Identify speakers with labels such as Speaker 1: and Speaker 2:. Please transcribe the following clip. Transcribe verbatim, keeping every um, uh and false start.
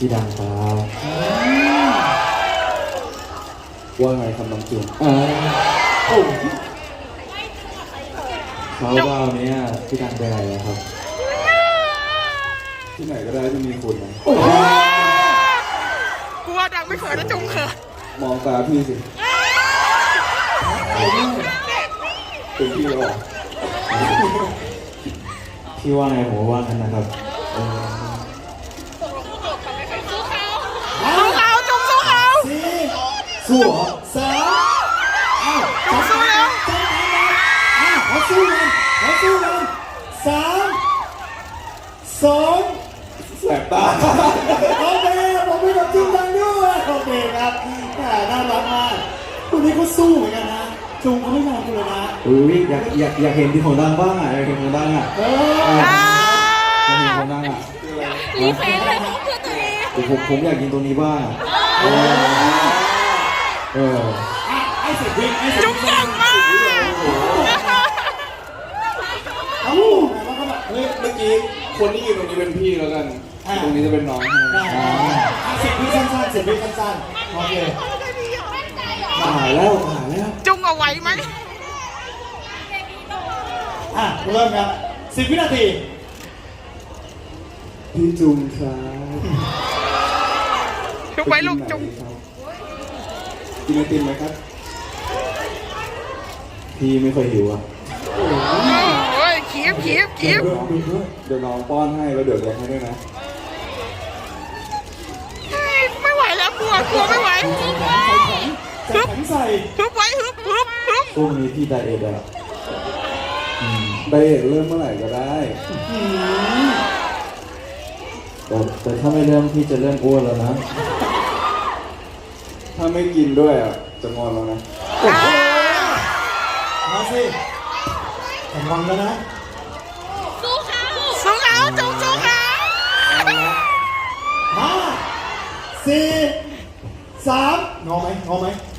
Speaker 1: พี่ดังครับว่าไงครับน้องจุนอ่าโอ้เขาว่าวันนี้พี่ดังไปไหนแล้วครับที่ไหนก็ได้ที่มีคุณนะ
Speaker 2: กลัวดังไม่เขินนะจุงเขิน
Speaker 1: มองตาพี่สิเป็นพี่หรอพี่ว่าไงผมว่างั้นนะครับ
Speaker 2: สู้เขาจุงสู้เขา
Speaker 3: สู้เหรอสามอ้าวจุงสู้แล้วอ้าวเขาสู้กันเขาสู้กันสามสอง
Speaker 1: แสบตา
Speaker 3: โอเคผมไม่กับจุงดังด้วยโอเคครับน่ารักมากคนนี้เขาสู้เหมือนกันนะจุงเขาไม่ยอมคุณเลยนะ
Speaker 1: อุ้ยอยากอยากอยากเห็นที่ของดังบ้างอ่ะอยากเห็นของดังอ่ะ
Speaker 3: เออ
Speaker 1: อยากเห็นของดังอ่ะ
Speaker 2: รีเฟรชเลยของเพื่อนตัวเอง
Speaker 1: ผมผมอยากกินตัวนี้บ้างเออเออ
Speaker 3: ไอ้สิบวิไอ้สิบวิ
Speaker 2: จุงเก่งมาก
Speaker 3: เอ้าแล้วก็แบบ
Speaker 1: เฮ้ยเมื่อกี้คนที่ยืนตรงนี้เป็นพี่แล้วกันตรงนี้จะเป็นน้อง
Speaker 3: สิบวิสั้นๆสิบวิสั้นๆโอเค
Speaker 1: ถ่ายแล้วถ่ายแล้ว
Speaker 2: จุงเอาไว้ไหม
Speaker 3: อ่ะเริ่มครับสิบวินาที
Speaker 1: พี่จุงครับ
Speaker 2: จุงไว้ลูกจุง
Speaker 1: กินไอติมไหมครับพี่ไม่เคยหิวอ่ะ
Speaker 2: โอ้ยเคี้ยวเคี้ยวเคี้ยว
Speaker 1: เดี๋ยวน้องป้อนให้แล้วเดี๋ยวเลี้ยงให้ด้วยนะ
Speaker 2: ไม่ไหวแล้วกลัวกลัวไม่ไหว
Speaker 3: ฮึบใส่
Speaker 2: ฮึบไว้ฮึบฮึบฮึบ
Speaker 1: ช่วงนี้พี่ไดเอทอ่ะไดเอทเริ่มเมื่อไหร่ก็ได้แต่แต่ถ้าไม่เริ่มพี่จะเริ่มอ้วนแล้วนะถ้าไม่กินด้วยอ่ะจะงอนแล้วนะ
Speaker 3: มาสิแต่งอนแล้วนะ
Speaker 2: สู้เขาสู้เขาจุงสู้เขา
Speaker 3: ห้าสี่สามงอไหมงอไหม